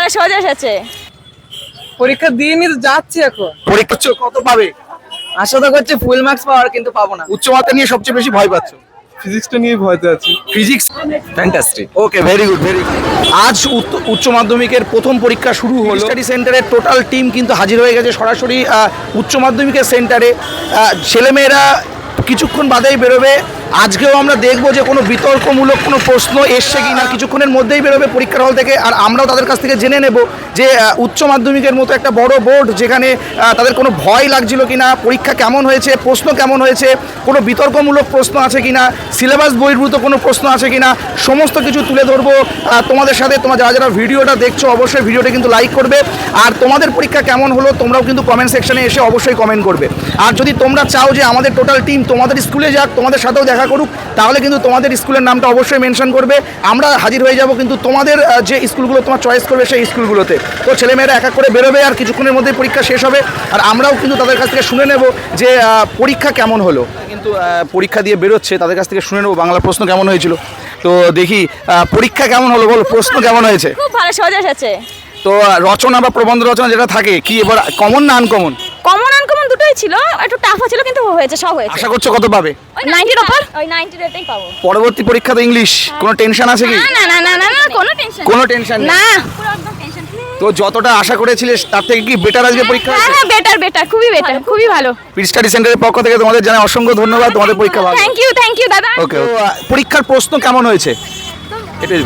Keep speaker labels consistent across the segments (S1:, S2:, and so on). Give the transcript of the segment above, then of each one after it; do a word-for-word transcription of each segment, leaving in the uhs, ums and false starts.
S1: ভালো সোজা এসেছে।
S2: পরীক্ষা দিয়ে নিতে যাচ্ছি এখন।
S3: পরীক্ষা কত পাবে?
S2: আশা তো করছি ফুল মার্কস পাওয়ার, কিন্তু পাবো না।
S3: উচ্চ মাধ্যমিক নিয়ে সবচেয়ে বেশি ভয় পাচ্ছ?
S4: ফিজিক্সটা নিয়ে ভয়তে আছি।
S3: Physics
S4: fantastic.
S3: Okay, very good very good. আজ উত্ত- উচ্চ মাধ্যমিকের প্রথম পরীক্ষা শুরু হলো। স্টাডি সেন্টারের টোটাল টিম কিন্তু হাজির হয়ে গেছে সরাসরি আহ, উচ্চ মাধ্যমিকের সেন্টারে। আহ, ছেলেমেয়েরা কিছুক্ষণ বাদেই বেরোবে। আজকেও আমরা দেখবো যে কোনো বিতর্কমূলক কোনো প্রশ্ন এসছে কি না। কিছুক্ষণের মধ্যেই বেরোবে পরীক্ষার হল থেকে, আর আমরাও তাদের কাছ থেকে জেনে নেব যে আহ, উচ্চ মাধ্যমিকের মতো একটা বড় বোর্ড, যেখানে আহ, তাদের কোনো ভয় লাগছিল কি না, পরীক্ষা কেমন হয়েছে, প্রশ্ন কেমন হয়েছে, কোনো বিতর্কমূলক প্রশ্ন আছে কি না, সিলেবাস বহির্ভূত কোনো প্রশ্ন আছে কি না, সমস্ত কিছু তুলে ধরবো আহ, তোমাদের সাথে। তোমরা যারা যারা ভিডিওটা দেখছো অবশ্যই ভিডিওটা কিন্তু লাইক করবে, আর তোমাদের পরীক্ষা কেমন হলো তোমরাও কিন্তু কমেন্ট সেকশনে এসে অবশ্যই কমেন্ট করবে। আর যদি তোমরা চাও যে আমাদের টোটাল টিম তোমাদের স্কুলে যাক, তোমাদের সাথেও দেখা করুক, তাহলে কিন্তু তোমাদের স্কুলের নামটা অবশ্যই মেনশন করবে। আমরা হাজির হয়ে যাব কিন্তু তোমাদের আহ, যে স্কুলগুলো তোমার চয়েস করবে সেই স্কুলগুলোতে। তো ছেলেমেয়েরা এক এক করে বেরোবে, আর কিছুক্ষণের মধ্যে পরীক্ষা শেষ হবে, আর আমরাও কিন্তু তাদের কাছ থেকে শুনে নেব যে আহ, পরীক্ষা কেমন হলো। কিন্তু আহ, পরীক্ষা দিয়ে বেরোচ্ছে, তাদের কাছ থেকে শুনে নেব বাংলা প্রশ্ন কেমন হয়েছিল। তো দেখি আহ, পরীক্ষা কেমন হলো, বলো প্রশ্ন কেমন হয়েছে।
S1: খুব ভালো সোজা এসেছে।
S3: তো আহ, রচনা বা প্রবন্ধ রচনা যেটা থাকে, কি এবার কমন না আনকমন?
S1: কমন আনকমন দুটোই ছিল, একটু টাফ ছিল কিন্তু হয়েছে, সব হয়েছে।
S3: আশা করছো কত পাবে?
S1: নাইনটির উপর, ওই নাইনটি রেটেই পাবো।
S3: পরবর্তী পরীক্ষা তো ইংলিশ, কোনো টেনশন আছে কি?
S1: না না না না না, কোনো টেনশন
S3: কোনো টেনশন নেই।
S1: না, পুরো একদম টেনশন ফ্রি।
S3: তো যতটা আশা করেছিলে তার থেকে কি বেটার আজকে পরীক্ষা
S1: হ্যাঁ
S3: হয়েছে?
S1: হ্যাঁ, বেটার বেটার, খুবই বেটার, খুবই ভালো।
S3: পিট স্টাডি সেন্টারের পক্ষ থেকে তোমাদের জানাই অসংখ্য ধন্যবাদ, তোমাদের পরীক্ষা ভালো।
S1: থ্যাংক ইউ থ্যাংক ইউ দাদা।
S3: ওকে, পরীক্ষার প্রশ্ন কেমন হয়েছে? এটাই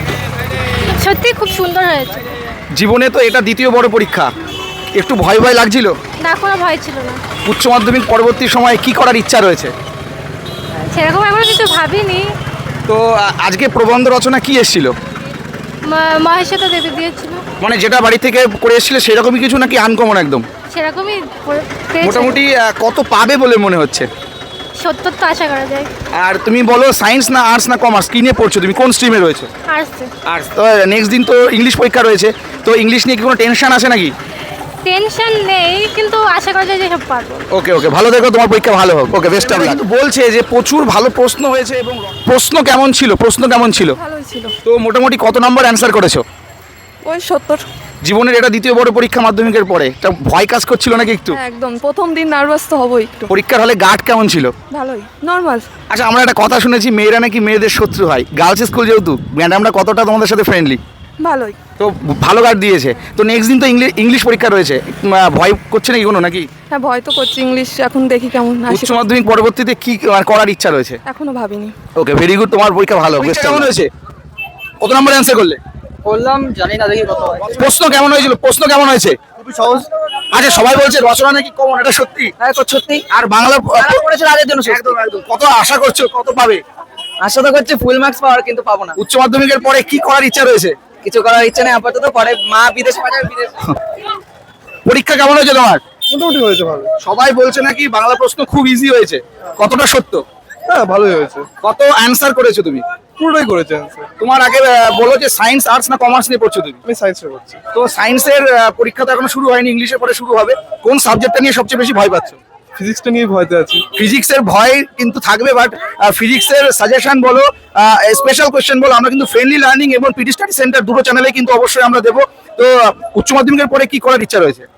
S1: সত্যি খুব সুন্দর হয়েছে।
S3: জীবনে তো এটা দ্বিতীয় বড় পরীক্ষা, একটু ভয় ভয় লাগছিল?
S1: না, কোনো ভয় ছিল না।
S3: উচ্চ মাধ্যমিক পরবর্তী সময়ে কি করার ইচ্ছা রয়েছে?
S1: সেরকম এখনো কিছু ভাবিনি।
S3: তো আ- আজকে প্রবন্ধ রচনা কি এসেছিল?
S1: মহেশতা দেবী দিয়েছিল,
S3: মানে যেটা বাড়ি থেকে করে এসেছিলে সেরকমই কিছু নাকি আনকমন একদম?
S1: সেরকমই
S3: মোটামুটি আ, কত পাবে বলে মনে হচ্ছে?
S1: সত্তর তো আশা করা যায়।
S3: আর তুমি বলো সায়েন্স না আর্টস না কমার্স, কি নিয়ে পড়ছো তুমি, কোন স্ট্রিমে রয়েছে?
S1: আর্টস।
S3: আর্টস। তো নেক্সট দিন তো ইংলিশ পরীক্ষা রয়েছে, তো ইংলিশ নিয়ে কি কোনো টেনশন আছে নাকি?
S1: টেনশন নেই, কিন্তু আশা করা যায় যে সব পারবো।
S3: ওকে ওকে, ভালো দেখো, তোমার পরীক্ষা ভালো হোক। Okay, best of luck. বলছে যে প্রচুর ভালো প্রশ্ন হয়েছে, এবং প্রশ্ন কেমন ছিল, প্রশ্ন কেমন ছিল?
S2: ভালোই ছিল।
S3: তো মোটামুটি কত নম্বর অ্যান্সার করেছো?
S2: ওই সত্তর।
S3: জীবনের এটা দ্বিতীয় বড় পরীক্ষা মাধ্যমিকের পরে, এটা ভয় কাজ করছিল নাকি একটু?
S2: একদম প্রথম দিন নার্ভাস তো হবই একটু।
S3: পরীক্ষার হলে গার্ড কেমন ছিল?
S2: ভালোই, নর্মাল।
S3: আচ্ছা, আমরা একটা কথা শুনেছি মেয়েরা নাকি মেয়েদের শত্রু হয়, গার্লস স্কুল যেহেতু, ম্যাডামরা কতটা তোমাদের সাথে ফ্রেন্ডলি?
S2: ভালোই।
S3: তো ভালো গার্ড দিয়েছে। তো নেক্সট দিন তো ইংলিশ ইংলিশ পরীক্ষা রয়েছে, উম, আহ, ভয় করছে নাকি কোনো নাকি?
S2: হ্যাঁ, ভয় তো করছি, ইংলিশ এখন দেখি কেমন আসে।
S3: উচ্চ মাধ্যমিক পরবর্তীতে কি আহ, করার ইচ্ছা রয়েছে?
S2: এখনো ভাবিনি।
S3: ওকে, ভেরি গুড, তোমার পরীক্ষা ভালো। বেস্ট কেমন হয়েছে? কত নম্বর অ্যান্সার করলে?
S2: বললাম জানি না, দেখি কত হয়।
S3: প্রশ্ন কেমন হয়েছিল? প্রশ্ন কেমন হয়েছে?
S4: খুবই সহজ।
S3: আচ্ছা, সবাই বলছে রচনা নাকি কমন, এটা সত্যি?
S2: হ্যাঁ, তো সত্যি।
S3: আর বাংলা
S2: করেছিল আগের জন্য সত্যি।
S3: একদম একদম। কত আশা করছো, কত পাবে?
S2: আশা তো করছি ফুল মার্কস পাওয়ার, কিন্তু পাবো না।
S3: উচ্চ মাধ্যমিকের পরে কি করার ইচ্ছা রয়েছে?
S2: কিছু করার ইচ্ছা নেই আপাতত, পরে মা বিদেশে পাঠাবে, বিদেশ।
S3: পরীক্ষা কেমন হয়েছে তোমার?
S4: মোটামুটি হয়েছে ভালো।
S3: সবাই বলছে নাকি বাংলা প্রশ্ন খুব ইজি হয়েছে, কতটা সত্য?
S4: হ্যাঁ, ভালোই হয়েছে।
S3: কত অ্যান্সার করেছো তুমি?
S4: পুরোটাই করেছে অ্যান্সার।
S3: তোমার আগে আহ, বলো যে সায়েন্স আর্টস না কমার্স নিয়ে পড়ছো তুমি?
S4: আমি সায়েন্সে করছি।
S3: তো সায়েন্সের পরীক্ষা তো এখনো শুরু হয়নি, ইংলিশের পরে শুরু হবে। কোন সাবজেক্টটা নিয়ে সবচেয়ে বেশি ভয় পাচ্ছো?
S4: ফিজিক্সটা নিয়ে ভয়তে আছি।
S3: ফিজিক্সের ভয় কিন্তু থাকবে, বাট ফিজিক্সের সাজেশন বলো, স্পেশাল কোশ্চেন বলো, আমরা কিন্তু ফ্রেন্ডলি লার্নিং এবং পিটি স্টাডি সেন্টার দুটো চ্যানেলে কিন্তু অবশ্যই আমরা দেবো। তো আহ, উচ্চ মাধ্যমিকের পরে কি করার ইচ্ছা রয়েছে?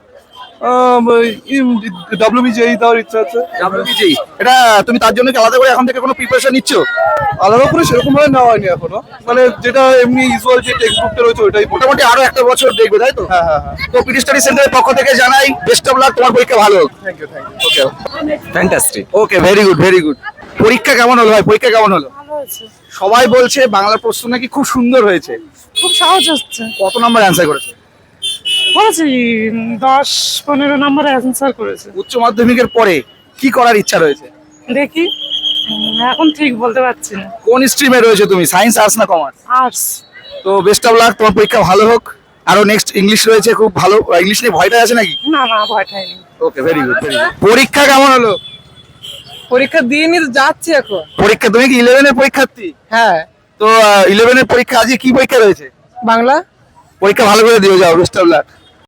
S4: ডাব্লিউবিজেই দেওয়ার ইচ্ছা আছে।
S3: ডাব্লিউবিজেই, এটা তুমি তার জন্য কি আলাদা করে এখন থেকে কোনো প্রিপারেশন নিচ্ছ?
S4: আলাদা করে সেরকম ভাবে নেওয়া হয়নি এখনো, মানে যেটা এমনি ইউজুয়াল যে টেক্সট বুকটা রয়েছে ওইটাই পড়ে।
S3: মোটামুটি আরো একটা বছর দেখবে, তাই তো?
S4: হ্যাঁ হ্যাঁ হ্যাঁ।
S3: তো পিটি স্টাডি সেন্টারের পক্ষ থেকে জানাই বেস্ট অফ লাক, তোমার পরীক্ষা ভালো হোক।
S4: Thank you thank you.
S3: Okay
S4: fantastic.
S3: Okay, very good very good. পরীক্ষা কেমন হলো ভাই, পরীক্ষা কেমন হলো? সবাই বলছে বাংলা প্রশ্ন নাকি খুব সুন্দর হয়েছে,
S5: খুব সহজ হচ্ছে।
S3: কত নাম্বার অ্যান্সার করেছে?
S5: করেছি দশ পনেরো নম্বরে অ্যান্সার করেছে।
S3: উচ্চ মাধ্যমিকের পরে কি করার ইচ্ছা রয়েছে?
S5: দেখি উম, এখন ঠিক বলতে পারছি না।
S3: কোন স্ট্রিমে রয়েছে তুমি, সায়েন্স আর্টস না কমার্স?
S5: আর্টস।
S3: তো বেস্ট অফ লাক, তোমার পরীক্ষা ভালো হোক। আরো নেক্সট ইংলিশ রয়েছে, খুব ভালো। ইংলিশ নিয়ে ভয়টা আছে নাকি?
S5: না না, ভয়টাই নেই।
S3: Okay, very good very good. পরীক্ষা কেমন হলো?
S2: পরীক্ষা দিয়ে নিতে যাচ্ছি এখন।
S3: পরীক্ষা, তুমি কি ইলেভেনের পরীক্ষার্থী?
S2: হ্যাঁ।
S3: তো ইলেভেনের পরীক্ষা, আজকে কি পরীক্ষা রয়েছে?
S2: বাংলা।
S3: পরীক্ষা ভালো করে দিয়ে যাও, বেস্ট অফ লাক।